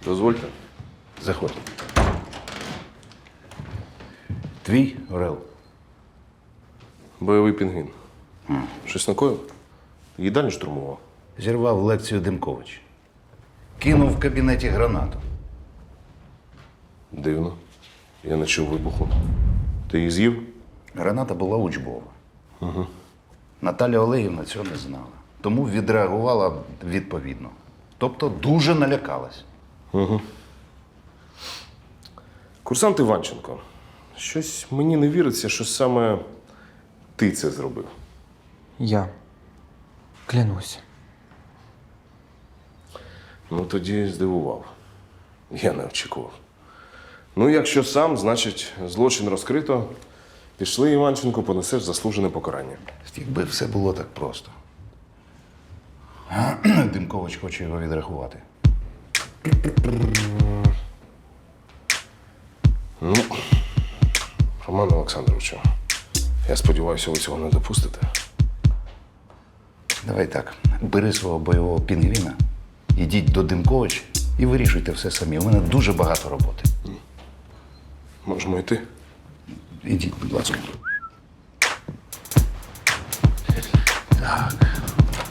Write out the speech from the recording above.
Дозвольте. Заходь. Твій Орел. Бойовий пінгвін. Щось накоїв? Їдальню штурмував. Зірвав лекцію Демкович. Кинув в кабінеті гранату. Дивно. Я не чув вибуху. Ти її з'їв? Граната була учбова. Наталя Олегівна цього не знала. Тому відреагувала відповідно. Тобто дуже налякалась. Курсант Іванченко, щось мені не віриться, що саме ти це зробив. Я. Клянусь. Ну, тоді здивував. Я не очікував. Ну, якщо сам, значить, злочин розкрито. Пішли, Іванченко, понесеш заслужене покарання. Якби все було так просто. Демкович хоче його відрахувати. Ну, Роман Олександровичу, я сподіваюся, ви цього не допустите. Давай так, бери свого бойового пінгвіна, ідіть до Демковича і вирішуйте все самі. У мене дуже багато роботи. Можемо йти? Ідіть, будь ласка. Так.